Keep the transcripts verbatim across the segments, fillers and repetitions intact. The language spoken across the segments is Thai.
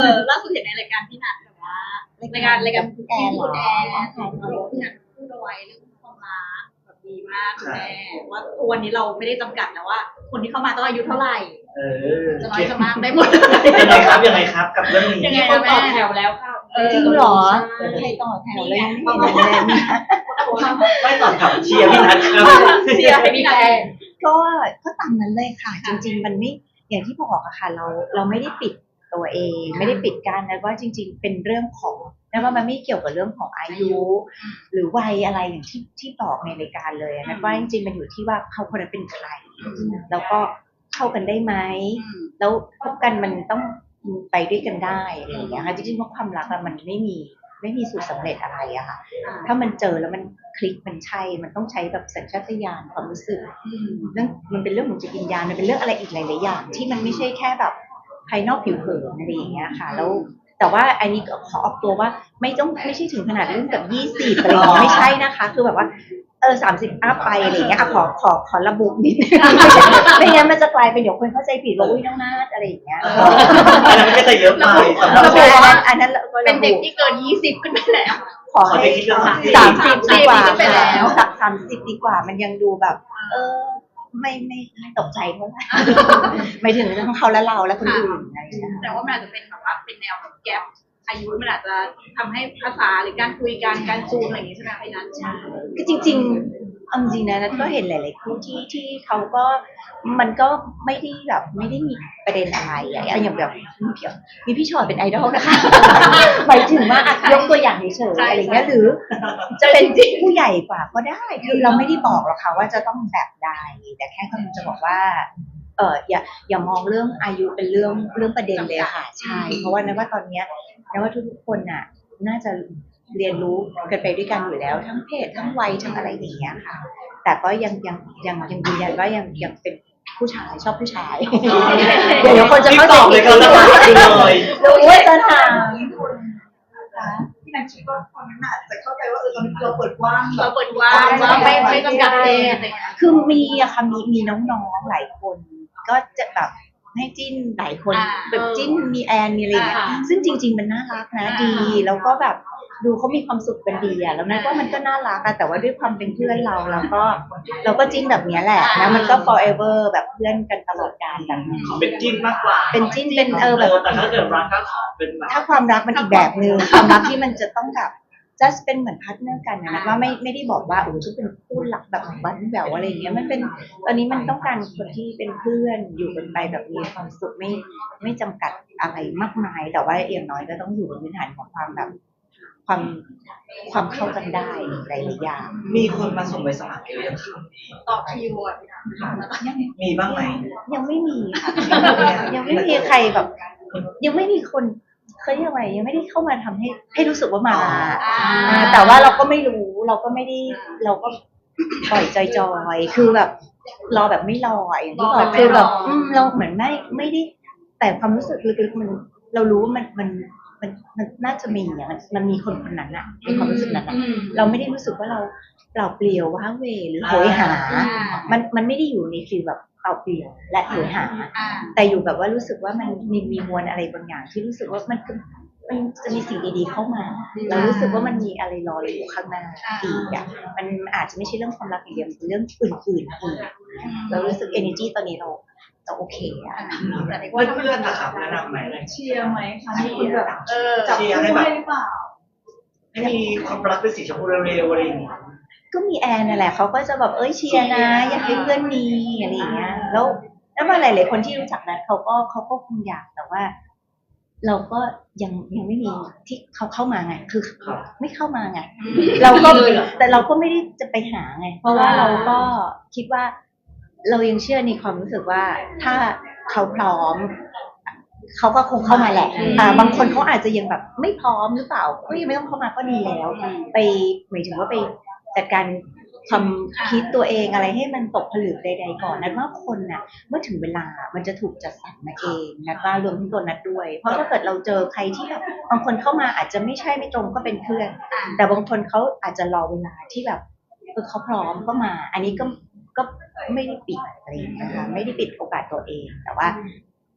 อล่าสุดเห็นในรายการพี่นัทแบบว่ารายการรายการพี่แอนคุณแอนพี่นัทพูดเอาไว้เรื่องความรักแบบดีมากคุณแม่ว่าวันนี้เราไม่ได้จำกัดนะว่า คนที่เข้ามาต้องอายุเท่าไหร่เออจะน้อยจะมากได้หมดยังไงครับยังไงครับกับเรื่องนี้ยังไงคนต่อแถวแล้วค่ะจริงเหรอใครต่อแถวเลยไม่เห็นเลยไม่ต่อแถวเชียร์พี่นัทครับเชียร์ให้พี่นัทก็ก็ตามนั้นเลยค่ะจริงๆมันไม่อย่างที่บอกอะค่ะเราเราไม่ได้ปิดตัวเองไม่ได้ปิดกั้นนะว่าจริงๆเป็นเรื่องของนะว่ามันไม่เกี่ยวกับเรื่องของอายุหรือวัยอะไรอย่างที่ที่บอกในรายการเลยนะว่าจริงๆมันอยู่ที่ว่าเขาคนนั้นเป็นใครแล้วก็เข้ากันได้ไหมแล้วคบกันมันต้องไปด้วยกันได้อะไรอย่างเงี้ยค่ะจริงๆเพราะความรักมันไม่มีไม่มีสูตรสำเร็จอะไรอะค่ะถ้ามันเจอแล้วมันคลิกมันใช่มันต้องใช้แบบสัญชาตญาณความรู้สึกเรื่องมันเป็นเรื่องของจิตวิญญาณมันเป็นเรื่องอะไรอีกหลายๆอย่างที่มันไม่ใช่แค่แบบภายนอกผิวเผินอะไรอย่างเงี้ยค่ะแล้วแต่ว่าอันนี้ขอออกตัวว่าไม่ต้องไม่ใช่ถึงขนาดเรื่องแบบยี่สิบอะไรอย่างเงี้ยไม่ใช่นะคะคือแบบว่าเออสามสิบอัพไปอะไรอย่างเงี้ยขอขอขอระบุนิดนึงไม่งั้นมันจะกลายเป็นเดี๋ยวคนเข้าใจผิดว่าอุ้ยน้องนาฏอะไรอย่างเงี้ยอันนั้นก็จะเยอะไปสำหรับระบุอันนั้นอันนั้นเป็นเด็กที่เกินยี่สิบขึ้นไปแล้วขอให้สามสิบดีกว่าสามสิบดีกว่ามันยังดูแบบเออไม่ไม่ไม่ตกใจเท่าไหร่ไม่ถึงทั้งเขาและเราและคนอื่นอะไรอย่างเงี้ยแต่ว่ามันอาจจะเป็นแบบว่าเป็นแนวแบบแก๊ปอายุมันอาจจะทำให้ภาษาหรือการคุยกันการจูนอะไรอย่างงี้ใช่ไหมพี่นัทใช่คือจริงๆเอาจริงนะนัทก็เห็นหลายๆคู่ที่ที่เขาก็มันก็ไม่ได้แบบไม่ได้มีประเด็นอะไรอะอย่างแบบมีพี่ชอตเป็นไอดอลนะคะหมายถึงว่าอ่ะยกตัวอย่างเฉยๆอะไรเงี้ยหรือจะเป็นผู้ใหญ่กว่าก็ได้คือเราไม่ได้บอกหรอกค่ะว่าจะต้องแบบใดแต่แค่กำลังจะบอกว่าเอออย่าอย่ามองเรื่องอายุเป็นเรื่องเรื่องประเด็นเลยค่ะใช่เพราะว่านะว่าตอนเนี้ยนะว่าทุกๆคนน่ะน่าจะเรียนรู้กันไปด้วยกันอยู่แล้วทั้งเพศทั้งวัยทั้งอะไรอย่างเงี้ยค่ะแต่ก็ยังยังยังยังยืนยันว่ายังยังเป็นผู้ชายชอบผู้ชายเดี๋ยวคนจะเข้าใจผิดเลยรู้ว่าจะถามที่นันคิดว่าคนนั้นอาจจะเข้าใจว่าเออตอนนี้เราเปิดกว้างเราเปิดกว้างว่าไม่ไม่จำกัดเพศคือมีอะค่ะมีมีน้องๆหลายคนก็จะแบบให้จิ้นหลายคนแบบจิ้นมีแอนมีอะไรอย่างเงี้ยซึ่งจริงๆมันน่ารักนะดีแล้วก็แบบดูเขามีความสุขกันดีอะแล้วนั่นก็มันก็น่ารักอะแต่ว่าด้วยความเป็นเพื่อนเราเราก็เราก็จิ้นแบบนี้แหละนะมันก็ forever แบบเพื่อนกันตลอดกาลแบบนี้เป็นจิ้นมากกว่าเป็นจิ้นเป็นเออแบบแต่ถ้าเกิดรักก็ขอเป็นถ้าความรักมันอีกแบบนึงความรักที่มันจะต้องแบบ just เป็นเหมือนพาร์ทเนอร์กันนะว่าไม่ไม่ได้บอกว่าโอ้จะเป็นคู่รักแบบบั้นแหววอะไรอย่างเงี้ยมันเป็นตอนนี้มันต้องการคนที่เป็นเพื่อนอยู่กันไปแบบมีความสุขไม่ไม่จำกัดอะไรมากมายแต่ว่าอย่างน้อยก็ต้องอยู่บนพื้นฐานของความแบบความความเข้ากันได้หลายๆอย่างมีคนมาส่งใบสมัครเองยังคะต่อคิวอ่ะมีบ้างไหมยังไม่มีค่ะยังไม่มีใครแบบยังไม่มีคนเคยยังไงยังไม่ได้เข้ามาทำให้ให้รู้สึกว่ามาแต่ว่าเราก็ไม่รู้เราก็ไม่ได้เราก็ปล่อยจอยๆคือแบบรอแบบไม่รออย่างที่บอกคือแบบเราเหมือนไม่ไม่ได้แต่ความรู้สึกลึกๆมันเรารู้ว่ามันมันมันมันน่าจะมีอ่ะมันมันมีคนคนนั้นอ่ะในความรู้สึกนั้นอ่ะเราไม่ได้รู้สึกว่าเราเปล่าเปลี่ยวว้าเหวหรือโหยหามันมันไม่ได้อยู่ในฟีลแบบเปล่าเปลี่ยวและโหยหาแต่อยู่แบบว่ารู้สึกว่ามันมีมีมวลอะไรบางอย่างที่รู้สึกว่ามันมันจะมีสิ่งดีๆเข้ามาเรารู้สึกว่ามันมีอะไรรออยู่ข้างหน้าอีกอ่ะมันอาจจะไม่ใช่เรื่องความรักอย่างเดียวเป็นเรื่องอื่นๆอีกเรารู้สึก energy ตอนนี้เราเราโอเคอ่ะแต่ในว่าเพื่อนนะครับแนะนำไหมเชียร์ไหมคะที่คุณแบบเออจับคู่ได้หรือเปล่าให้มีความรักเป็นสีชมพูเร็วๆอะไรอย่างเงี้ยก็มีแอนนั่นแหละเขาก็จะแบบเอ้ยเชียร์นะอยากให้เพื่อนมีอะไรอย่างเงี้ยแล้วแล้วมาหลายๆคนที่รู้จักนั้นเขาก็เขาก็คงอยากแต่ว่าเราก็ยังยังไม่มีที่เขาเข้ามาไงคือไม่เข้ามาไงเราก็แต่เราก็ไม่ได้จะไปหาไงเพราะว่าเราก็คิดว่าเรายังเชื่อในความรู้สึกว่าถ้าเขาพร้อมเขาก็คงเข้ามาแหละอ่าบางคนเขาอาจจะยังแบบไม่พร้อมหรือเปล่าก็ยังไม่ต้องเข้ามาก็ดีแล้วไปหมายถึงว่าไปจัดการความคิดตัวเองอะไรให้มันตกผลึกใดๆก่อนนัดว่าคนน่ะเมื่อถึงเวลามันจะถูกจัดสรรมาเองนัดว่ารวมทั้งตัวนัดด้วยเพราะถ้าเกิดเราเจอใครที่แบบบางคนเข้ามาอาจจะไม่ใช่ไม่ตรงก็เป็นเพื่อนแต่บางคนเขาอาจจะรอเวลาที่แบบเออเขาพร้อมก็มาอันนี้ก็ก็ไม่ได้ปิดอะไรนะคะไม่ได้ปิดโอกาสตัวเองแต่ว่า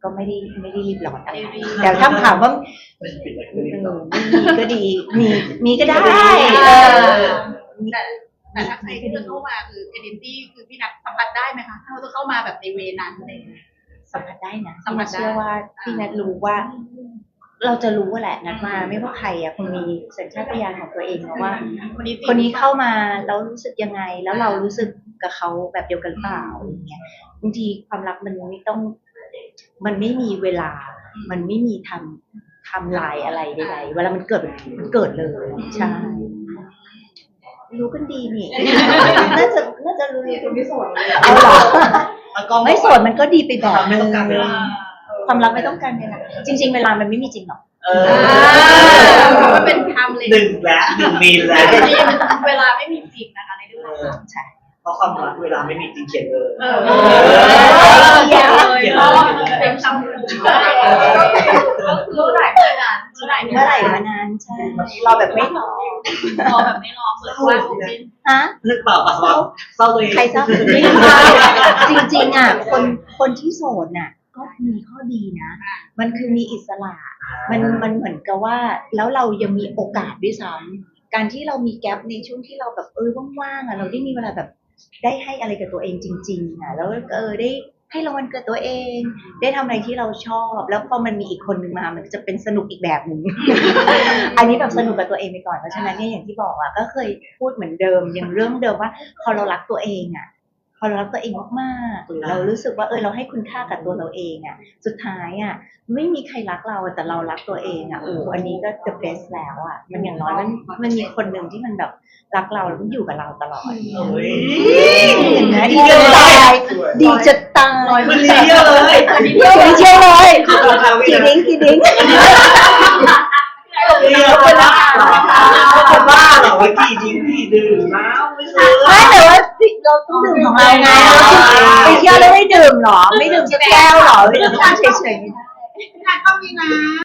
ก็ไม่ได้ไม่ได้รีบร้อนอะไรแต่ถ้าถามว่าไม่ปิดอะไรเอเลยอมีก็ดีมีมีก็ได้เออแต่แต่ถ้าใครที่จะเข้ามาคือเอเดนตี้คือพี่นัทสัมผัสได้ไหมคะถ้าเราจะเข้ามาแบบในเวนั้นอะไรอย่างเงี้ยสัมผัสได้นะสัมผัสได้เชื่อว่าพี่นัทรู้ว่า เราจะรู้แหละนัดมาไม่ว่าใครอ่ะคงมีสัญชาตญาณของตัวเองนะว่าคนนี้จริงคนนี้เข้ามาแล้วรู้สึกยังไง แล้วเรารู้สึกกับเขาแบบเดียวกันหรือเปล่าอย่างเงี้ยบางทีความรักมันไม่ต้อง มันไม่มีเวลา มันไม่มีทำทำลายอะไรใดๆเวลามันเกิดมันเกิดเลยใช่รู้กันดีนี่ น่าจะน่าจะรู้คนที่สวยเลยเอาเหรอแล้วก็ไม่โสดมันก็ดีไปแบบไม่ต้องการเวลาความรักไม่ต้องการเวลาจริง ๆ เวลามันไม่มีจริงหรอกเอออ่ามันเป็นไทม์เลยหนึ่งแล้วหนึ่งมีแล้วเวลาไม่มีจริงนะคะในเรื่องของเราใช่เพราะความรักเวลาไม่มีจริงเขียนเลยเออเออเขียนเลยเป็นคำพูดรู้ไหนเมื่อนั้นเมื่อไหร่เมื่อไหร่มานานใช่รอแบบไม่รอรอแบบไม่รอเปิดว่าผมเป็นฮะนึกเปล่าเปล่าเปล่าเศร้าตัวเองใครเศร้าไม่เศร้าจริงๆอ่ะคนคนที่โสดน่ะ ก็มีข้อดีนะ มันคือมีอิสระ มันมันเหมือนกับว่าแล้วเรายังมีโอกาสด้วยซ้ำการที่เรามีแกลบในช่วงที่เราแบบเออว่างๆอ่ะเราได้มีเวลาแบบได้ให้อะไรกับตัวเองจริงๆอ่ะแล้วเออได้ให้รางวัลกับตัวเอง ได้ทำอะไรที่เราชอบ แล้วพอมันมีอีกคนหนึ่งมามันจะเป็นสนุกอีกแบบหนึ่ง อันนี้แบบสนุกกับตัวเองไปก่อนเพราะฉะนั้นเนี่ยอย่างที่บอกอ่ะก็เคยพูดเหมือนเดิมอย่างเรื่องเดิมว่าพอเรารักตัวเองอ่ะ พอเรารักตัวเองมากๆเรารู้สึกว่าเออเราให้คุณค่ากับตัวเราเองอ่ะสุดท้ายอ่ะไม่มีใครรักเราแต่เรารักตัวเองอ่ะโอ้อันนี้ก็ the best แล้วอ่ะมันอย่างน้อยมันมันมีคนหนึ่งที่มันแบบรักเราแล้วมันอยู่กับเราตลอดเฮ้ยเห็นไหมดีจะตายดีจะตายมันเลี้ยเลยดีเชียวเลยกี่ดิ้งกี่ดิ้งเลี้ยคนบ้าคนบ้าเหรอว่ากี่ดิ้งกี่ดื่มแล้วไม่ซื้อไม่แต่ว่าเราต้องดื่มของเราไงไปเที่ยวแล้วไม่ดื่มหรอ ไม่ดื่มสักแก้วหรอไม่ดื่มเฉยๆงานก็มีนะ